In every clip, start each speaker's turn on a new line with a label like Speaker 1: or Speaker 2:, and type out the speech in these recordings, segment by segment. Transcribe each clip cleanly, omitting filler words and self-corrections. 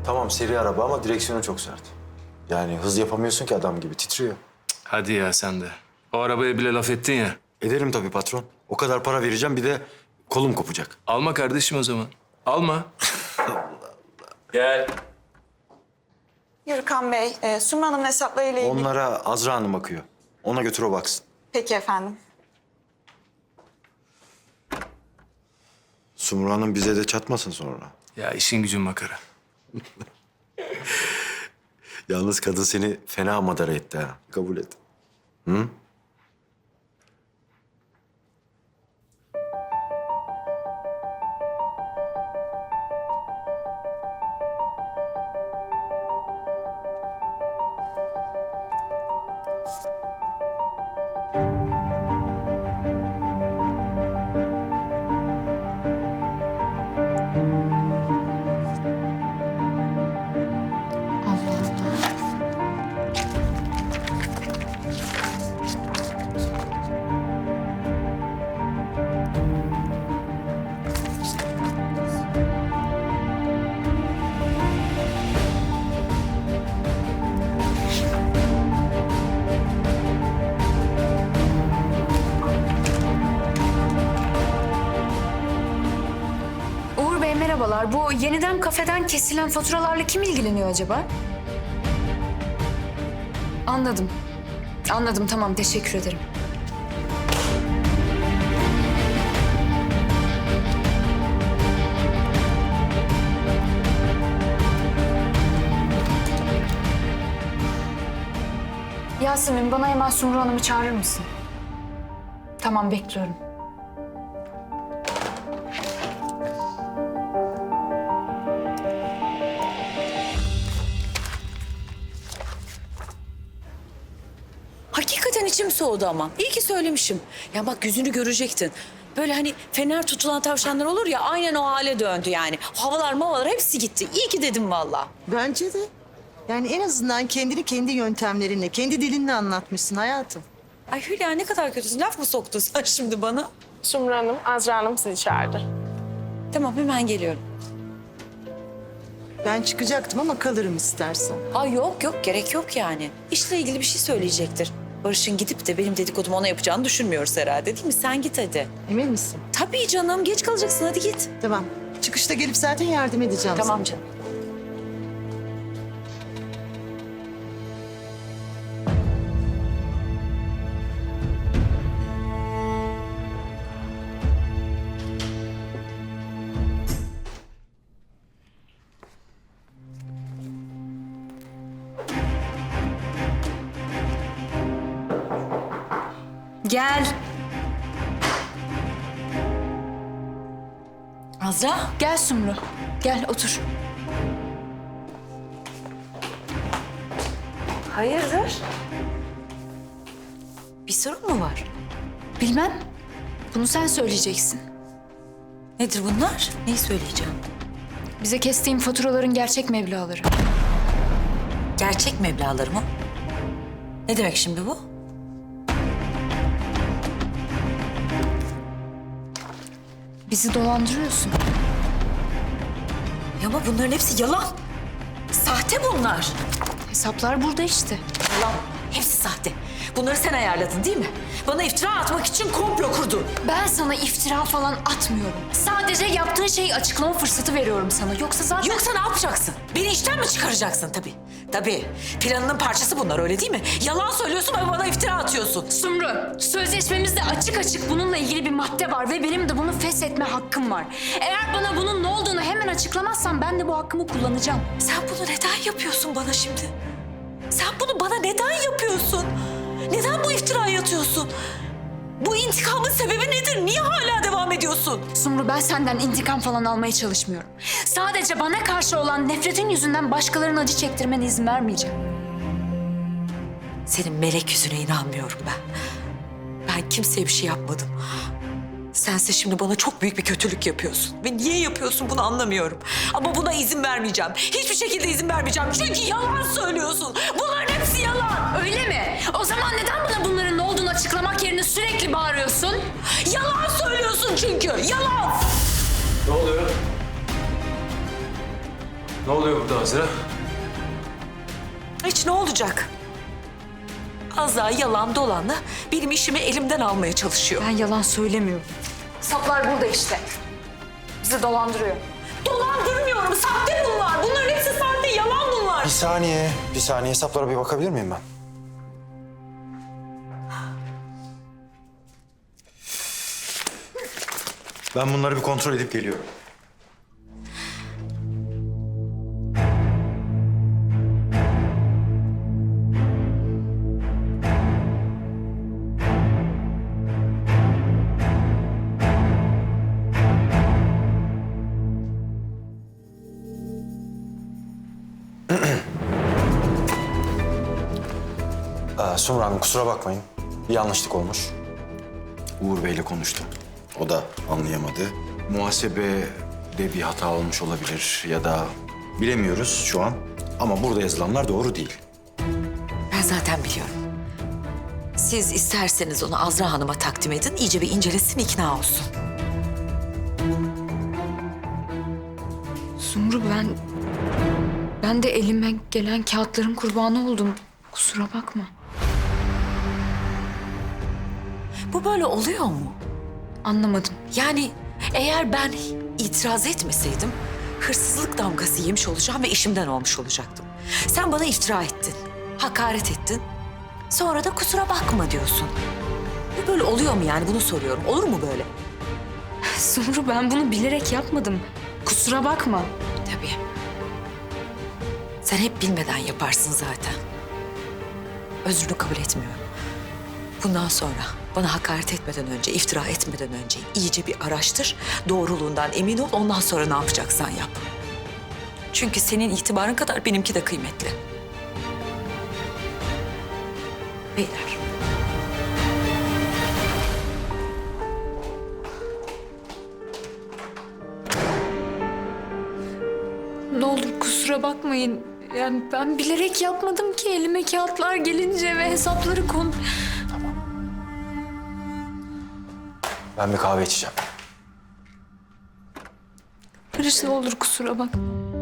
Speaker 1: Tamam seri araba ama direksiyonu çok sert. Yani hız yapamıyorsun ki adam gibi titriyor.
Speaker 2: Hadi ya sen de. O arabaya bile laf ettin ya.
Speaker 1: Ederim tabii patron. O kadar para vereceğim bir de kolum kopacak.
Speaker 2: Alma kardeşim o zaman. Alma. Gel.
Speaker 3: Yürükan Bey, Sumru Hanım'ın hesaplarıyla ilgili...
Speaker 1: Onlara Azra Hanım bakıyor. Ona götür o baksın.
Speaker 3: Peki efendim.
Speaker 1: Sumru Hanım bize de çatmasın sonra.
Speaker 2: Ya işin gücün makara.
Speaker 1: Yalnız kadın seni fena madara etti ha. Kabul et. Hı?
Speaker 4: Uğur Bey merhabalar. Bu yeniden kafeden kesilen faturalarla kim ilgileniyor acaba? Anladım. Anladım tamam teşekkür ederim. Yasemin bana hemen Sumru Hanım'ı çağırır mısın? Tamam bekliyorum.
Speaker 5: Hakikaten içim soğudu ama. İyi ki söylemişim. Ya bak yüzünü görecektin. Böyle hani fener tutulan tavşanlar olur ya aynen o hale döndü yani. Havalar mavalar hepsi gitti. İyi ki dedim vallahi.
Speaker 6: Bence de. Yani en azından kendini kendi yöntemlerinle, kendi dilinle anlatmışsın hayatım.
Speaker 5: Ay Hülya ne kadar kötüsün. Laf mı soktun sen şimdi bana?
Speaker 7: Sumru Hanım, Azra Hanım sizi çağırdı.
Speaker 5: Tamam hemen geliyorum.
Speaker 6: Ben çıkacaktım ama kalırım istersen.
Speaker 5: Ay yok yok gerek yok yani. İşle ilgili bir şey söyleyecektir. Barış'ın gidip de benim dedikodumu ona yapacağını düşünmüyoruz herhalde değil mi? Sen git hadi.
Speaker 6: Emin misin?
Speaker 5: Tabii canım geç kalacaksın hadi git.
Speaker 6: Tamam. Çıkışta gelip zaten yardım edeceğim
Speaker 5: Tamam
Speaker 6: sana.
Speaker 5: canım.
Speaker 4: Gel.
Speaker 5: Azra.
Speaker 4: Gel Sumru. Gel otur.
Speaker 5: Hayırdır? Bir sorun mu var?
Speaker 4: Bilmem. Bunu sen söyleyeceksin.
Speaker 5: Nedir bunlar? Neyi söyleyeceğim?
Speaker 4: Bize kestiğin faturaların gerçek meblağları.
Speaker 5: Gerçek meblağları mı? Ne demek şimdi bu?
Speaker 4: Bizi dolandırıyorsun.
Speaker 5: Ya ama bunların hepsi yalan. Sahte bunlar.
Speaker 4: Hesaplar burada işte.
Speaker 5: Yalan. Hepsi sahte. Bunları sen ayarladın değil mi? Bana iftira atmak için komplo kurdun.
Speaker 4: Ben sana iftira falan atmıyorum. Sadece yaptığın şeyi açıklama fırsatı veriyorum sana. Yoksa zaten...
Speaker 5: Yoksa ne yapacaksın? Beni işten mi çıkaracaksın tabii? Tabii. Planının parçası bunlar öyle değil mi? Yalan söylüyorsun ve bana iftira atıyorsun.
Speaker 4: Sumru, sözleşmemizde açık açık bununla ilgili bir madde var ve benim de bunu feshetme hakkım var. Eğer bana bunun ne olduğunu hemen açıklamazsan ben de bu hakkımı kullanacağım.
Speaker 5: Sen bunu neden yapıyorsun bana şimdi? Sen bunu bana neden yapıyorsun? Neden bu iftirayı atıyorsun? Bu intikamın sebebi nedir? Niye hala devam ediyorsun?
Speaker 4: Sumru ben senden intikam falan almaya çalışmıyorum. Sadece bana karşı olan nefretin yüzünden başkalarının acı çektirmene izin vermeyeceğim.
Speaker 5: Senin melek yüzüne inanmıyorum ben. Ben kimseye bir şey yapmadım. Sense şimdi bana çok büyük bir kötülük yapıyorsun. Ve niye yapıyorsun bunu anlamıyorum. Ama buna izin vermeyeceğim. Hiçbir şekilde izin vermeyeceğim. Çünkü yalan söylüyorsun. Bunların hepsi yalan.
Speaker 4: Öyle mi? O zaman neden bana bunların ne olduğunu açıklamak yerine sürekli bağırıyorsun?
Speaker 5: Yalan söylüyorsun çünkü. Yalan.
Speaker 2: Ne oluyor? Ne oluyor burada Azra?
Speaker 5: Hiç ne olacak? Azra yalan dolanla benim işimi elimden almaya çalışıyor.
Speaker 4: Ben yalan söylemiyorum. Hesaplar burada işte. Bizi dolandırıyor.
Speaker 5: Dolandırmıyorum. Sahte bunlar. Bunların hepsi sahte. Yalan bunlar.
Speaker 1: Bir saniye. Hesaplara bir bakabilir miyim ben? Ben bunları bir kontrol edip geliyorum. Sumru Hanım kusura bakmayın. Bir yanlışlık olmuş. Uğur Bey'le konuştum. O da anlayamadı. Muhasebede bir hata olmuş olabilir ya da bilemiyoruz şu an. Ama burada yazılanlar doğru değil.
Speaker 5: Ben zaten biliyorum. Siz isterseniz onu Azra Hanım'a takdim edin. İyice bir incelesin, ikna olsun.
Speaker 4: Sumru ben de elime gelen kağıtların kurbanı oldum. Kusura bakma.
Speaker 5: Bu böyle oluyor mu?
Speaker 4: Anlamadım.
Speaker 5: Yani eğer ben itiraz etmeseydim hırsızlık damgası yemiş olacağım ve işimden olmuş olacaktım. Sen bana iftira ettin, hakaret ettin. Sonra da kusura bakma diyorsun. Bu böyle oluyor mu yani, bunu soruyorum. Olur mu böyle?
Speaker 4: Sumru ben bunu bilerek yapmadım. Kusura bakma.
Speaker 5: Tabii. Sen hep bilmeden yaparsın zaten. Özrünü kabul etmiyorum. Bundan sonra bana hakaret etmeden önce, iftira etmeden önce iyice bir araştır. Doğruluğundan emin ol, ondan sonra ne yapacaksan yap. Çünkü senin itibarın kadar benimki de kıymetli. Beyler.
Speaker 4: Ne olur kusura bakmayın. Yani ben bilerek yapmadım ki, elime kağıtlar gelince ve hesapları
Speaker 1: Ben bir kahve içeceğim.
Speaker 4: Barış ne olur kusura bakma.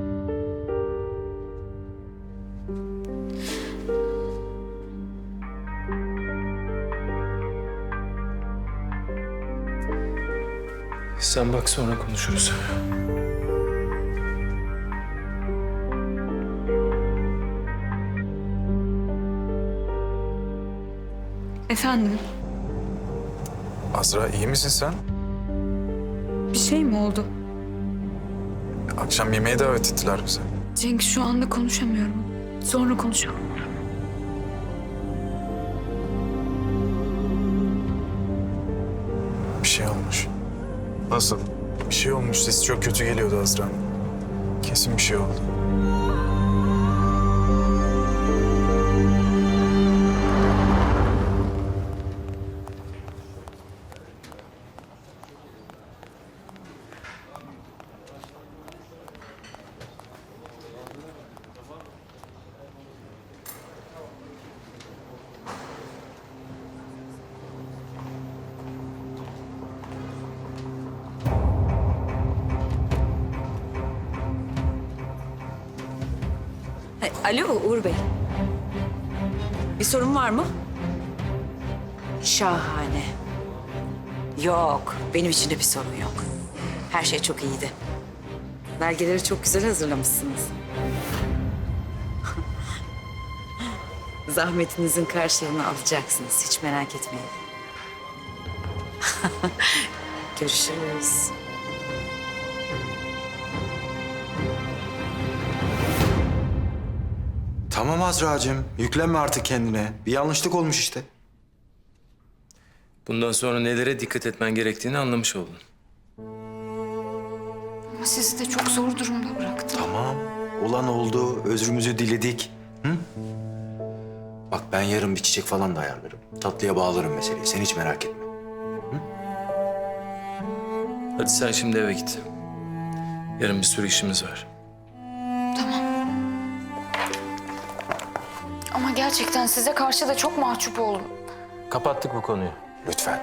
Speaker 2: Sen bak sonra konuşuruz.
Speaker 4: Efendim,
Speaker 8: Azra iyi misin sen?
Speaker 4: bir şey mi oldu?
Speaker 8: Akşam yemeğe davet ettiler bizi.
Speaker 4: Cenk şu anda konuşamıyorum. Sonra konuşalım.
Speaker 8: Bir şey olmuş. Nasıl? Bir şey olmuş. Sesi çok kötü geliyordu Azra'nın. Kesin bir şey oldu.
Speaker 5: Alo Uğur Bey. Bir sorun var mı? Şahane. Yok, benim için de bir sorun yok. Her şey çok iyiydi. Belgeleri çok güzel hazırlamışsınız. Zahmetinizin karşılığını alacaksınız. Hiç merak etmeyin. Görüşürüz.
Speaker 1: Tamam Azra'cığım. Yüklenme artık kendine. Bir yanlışlık olmuş işte.
Speaker 2: Bundan sonra nelere dikkat etmen gerektiğini anlamış oldun.
Speaker 4: Ama sizi de çok zor durumda bıraktım.
Speaker 1: Tamam. Olan oldu. Özrümüzü diledik. Hı? Bak ben yarın bir çiçek falan da ayarlarım. Tatlıya bağlarım meseleyi. Sen hiç merak etme.
Speaker 2: Hadi sen şimdi eve git. Yarın bir sürü işimiz var.
Speaker 4: Ama gerçekten size karşı da çok mahcup oldum.
Speaker 2: Kapattık bu konuyu.
Speaker 1: Lütfen.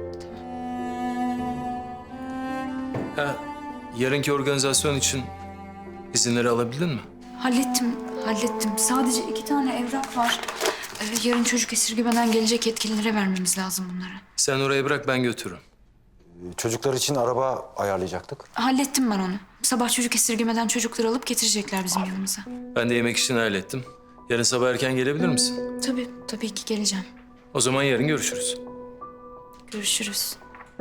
Speaker 2: Ha, yarınki organizasyon için İzinleri alabildin mi?
Speaker 4: Hallettim. Sadece 2 tane evrak var. Yarın çocuk esirgemeden gelecek yetkililere vermemiz lazım bunları.
Speaker 2: Sen oraya bırak, ben götürürüm.
Speaker 1: Çocuklar için araba ayarlayacaktık.
Speaker 4: Hallettim ben onu. Sabah çocuk esirgemeden çocukları alıp getirecekler bizim yanımıza.
Speaker 2: Ben de yemek işini hallettim. Yarın sabah erken gelebilir misin?
Speaker 4: Tabii ki geleceğim.
Speaker 2: O zaman yarın görüşürüz.
Speaker 4: Görüşürüz.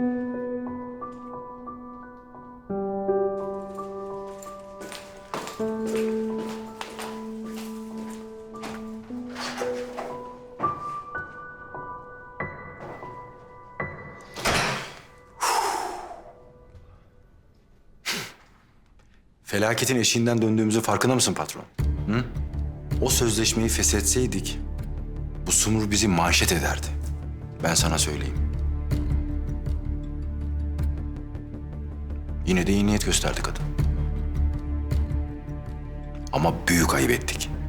Speaker 1: Felaketin eşiğinden döndüğümüzün farkında mısın patron? Hı? O sözleşmeyi feshetseydik bu Sumru bizi manşet ederdi. Ben sana söyleyeyim. Yine de iyi niyet gösterdi kadın. Ama büyük ayıp ettik.